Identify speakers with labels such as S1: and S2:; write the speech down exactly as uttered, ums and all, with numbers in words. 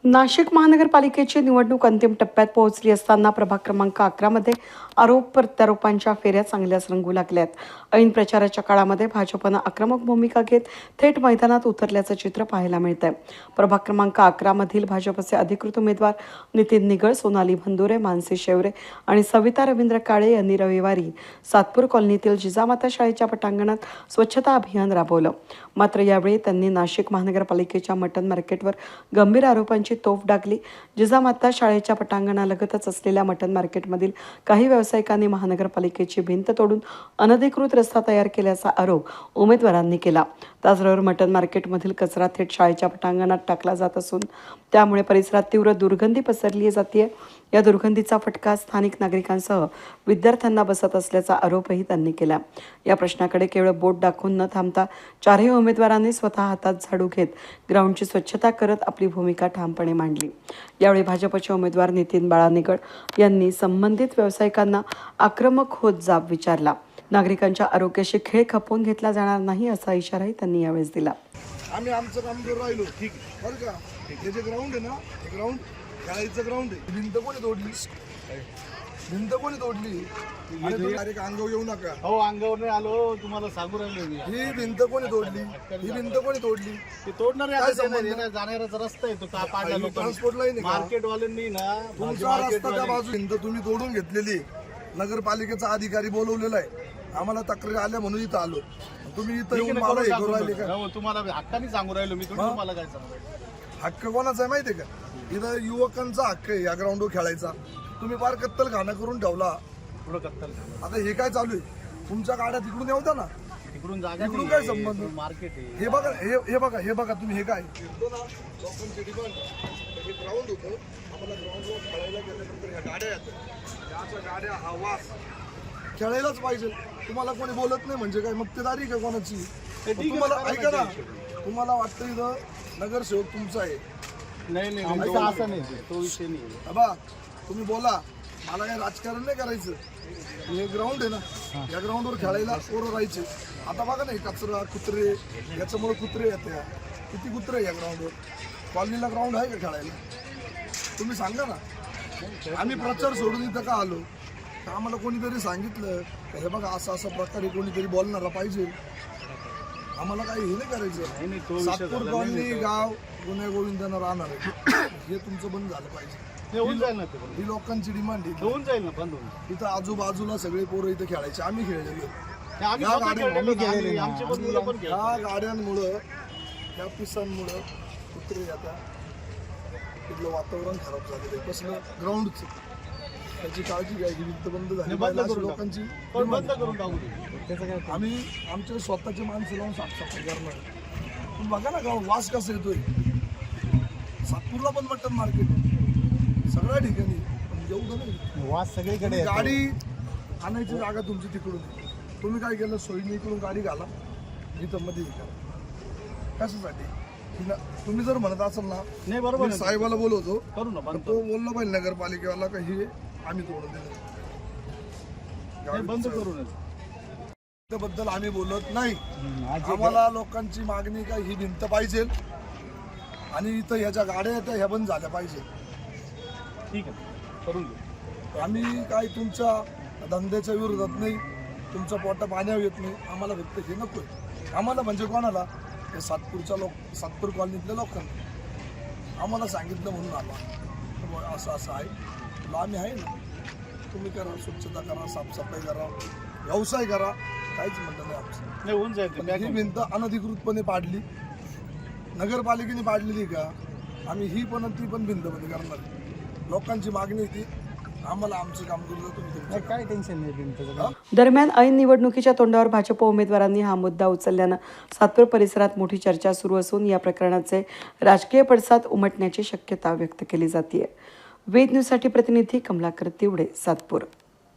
S1: नाशिक महानगरपालिकेची निवडणूक अंतिम टप्प्यात पोहोचली असताना प्रभाग क्रमांक अकरा मध्ये आरोप प्रत्यारोपांच्या फेऱ्या चांगल्याच रंगू लागल्यात. ऐन प्रचाराच्या काळामध्ये भाजपनं आक्रमक भूमिका घेत थेट मैदानात उतरल्याचं चित्र पाहायला मिळतंय. प्रभाग क्रमांक अकरा मधील भाजपचे अधिकृत उमेदवार नितीन निगळ, सोनाली भंदुरे, मानसी शेवरे आणि सविता रवींद्र काळे यांनी रविवारी सातपूर कॉलनीतील जिजामाता शाळेच्या पटांगणात स्वच्छता अभियान राबवलं. मात्र यावेळी त्यांनी नाशिक महानगरपालिकेच्या मटन मार्केटवर गंभीर आरोपांची तोफ डागली. जिजामाता शाळेच्या पटांगणालगतच असलेल्या मटन मार्केटमधील काही व्यावसायिकांनी महानगरपालिकेची भिंत तोडून अनधिकृत रस्ता तयार केल्याचा आरोप उमेदवारांनी केला. त्याचबरोबर मटन मार्केटमधील कचरा थेट शाळेच्या पटांगणात टाकला जात असून त्यामुळे परिसरात तीव्र दुर्गंधी पसरली जाते. या दुर्गंधीचा फटका स्थानिक नागरिकांसह विद्यार्थ्यांना बसत असल्याचा आरोपही त्यांनी केला. या प्रश्नाकडे केवळ बोट दाखवून न थांबता चारही उमेदवारांनी स्वतः हातात झाडू घेत ग्राउंडची स्वच्छता करत आपली भूमिका ठामपणे मांडली. यावेळी भाजपचे उमेदवार नितीन बाळा निगळ यांनी संबंधित व्यावसायिकांना आक्रमक होत जाब विचारला. नागरिकांच्या आरोग्याशी खेळ खपवून घेतला जाणार नाही असा इशाराही त्यांनी यावेळेस दिला.
S2: आम्ही आमचं काम करून राहिलो, ठीक आहे बरं का. हे जे ग्राउंड आहे ना, हे ग्राउंड खेळायचं ग्राउंड आहे. भिंत कोणी तोडली? भिंत कोणी तोडली? डायरेक्ट अंगावर येऊ नका.
S3: हो, अंगावर नाही आलो, तुम्हाला सांगू राहिलो मी.
S2: ही भिंत कोणी तोडली? ही भिंत कोणी तोडली?
S3: ते तोडणार आहे. जाणाऱ्याचा रस्ता आहे तो का पाडला
S2: ट्रान्सपोर्ट लाईन
S3: मार्केट वाल्यांनी ना
S2: तुमचा रस्ता त्या बाजू भिंत तुम्ही तोडून घेतलेली. नगरपालिकेचा अधिकारी बोलवलेला आहे. आम्हाला तक्रारी आल्या म्हणून इथं आलो. तुम्ही इथं येऊन मला हे करू राहिले का?
S3: तुम्हाला हक्काने सांगू राहिलो मी. तुम्हाला काय सांगू?
S2: हक्क कोणाचा आहे माहितीये का? इथं युवकांचा हक्क आहे या ग्राउंडवर खेळायचा. तुम्ही फार कत्तल खाना करून ठेवला.
S3: पुढं कत्तल
S2: आता हे काय चालू आहे? तुमच्या गाड्या तिकडून येऊ द्या ना.
S3: तिकडून जागा
S2: तिकडून काय संबंध?
S3: मार्केट आहे.
S2: हे बघा, हे हे बघा, हे बघा तुम्ही. हे काय लोकांचे डिमांड हे ग्राउंड होतं. आम्हाला ग्राउंडवर खेळायला गेल्यानंतर ह्या गाड्या येतात. याच्या गाड्या हा वास खेळायलाच पाहिजे. तुम्हाला कोणी बोलत नाही म्हणजे काय मक्तेदारी का कोणाची? तुम्हाला ऐका ना, तुम्हाला वाटतं इथं नगरसेवक तुमचा आहे.
S3: नाही नाही, असं नाही, तो विषय नाही.
S2: बा तुम्ही बोला, मला काही राजकारण नाही करायचं. हे ग्राउंड आहे ना, या ग्राउंडवर खेळायला पोरं राहायचे. आता बघा नाही, कचरा, कुत्रे, याच्यामुळे कुत्रे येते. किती कुत्रे या ग्राउंडवर? कॉलनीला ग्राउंड आहे का खेळायला? तुम्ही सांगा ना. आम्ही प्रचार सोडून इथं का आलो? तर आम्हाला कोणीतरी सांगितलं का हे बघा असं असं प्रकारे कोणीतरी बोलणारा पाहिजे. आम्हाला काही हे नाही करायचं. सातपूर कॉलनी गाव गुन्हे गोविंदांना राहणार आहे. हे तुमचं बंद झालं पाहिजे.
S3: होऊन जाईल ना,
S2: ही लोकांची डिमांड आहे.
S3: होऊन जाईल ना, बंद होऊन.
S2: इथं आजूबाजूला सगळे पोरं इथं खेळायचे. आम्ही खेळलेलो.
S3: आम्ही आमचे पण मुलं पण
S2: ह्या गाड्यांमुळं, ह्या पिसांमुळं कुत्रे आता इथलं वातावरण खराब झालेलं आहे. कसलं ग्राउंडचं त्याची काळजी घ्यायची. भिंत बंद झाली लोकांची.
S3: बंद करून टाकू.
S2: आम्ही आमच्या स्वतःचे माणसं लावून साफसफाई करणार. तुम्ही बघा ना गाव वास कसा येतोय. सातपूरला पण मटन मार्केट आहे, सगळ्या ठिकाणी. पण एवढं नाही
S3: वास सगळीकडे.
S2: गाडी आणायची जागा तुमची तिकडून. तुम्ही काय केलं? सोयीने इकडून गाडी घाला, इथं मध्ये कशासाठी? तुम्ही जर म्हणत असाल ना,
S3: नाही बरोबर,
S2: साहेबाला बोलवतो
S3: करू ना.
S2: पण तो बोलला पाहिजे नगरपालिकेवाला का हे आम्ही तोडून दिलं.
S3: बंद करून
S2: त्याबद्दल आम्ही बोलत नाही. आम्हाला लोकांची मागणी काय, ही भिंत पाहिजे आणि इथं ह्याच्या गाड्या येत्या ह्या बंद झाल्या पाहिजे.
S3: ठीक आहे, करून घेऊ.
S2: आम्ही काय तुमच्या धंद्याच्या विरोधात नाही, तुमचं पोटा पाण्यावर येत नाही. आम्हाला फक्त हे नको. आम्हाला म्हणजे कोणाला? हे सातपूरच्या लोक, सातपूर कॉलनीतल्या लोकांना आम्हाला सांगितलं म्हणून आला असं असं आहे. आम्ही आहे ना, तुम्ही करा, स्वच्छता करा, साफसफाई करा, व्यवसाय करा, काहीच म्हणणं नाही आमचं.
S3: नाही, होऊन जाईल.
S2: ही भिंत अनधिकृतपणे पाडली, नगरपालिकेने पाडलेली का? आम्ही ही पण ती पण भिंत मध्ये करणार. लोकांची मागणी होती, आम्हाला आमचं काम करू द्या.
S3: काय टेन्शन नाही.
S1: दरम्यान ऐन निवडणुकीच्या तोंडावर भाजप उमेदवारांनी हा मुद्दा उचलल्यानं सातपूर परिसरात मोठी चर्चा सुरू असून या प्रकरणाचे राजकीय पडसाद उमटण्याची शक्यता व्यक्त केली जाते. वेद न्यूजसाठी प्रतिनिधी कमलाकर तिवडे, सातपूर.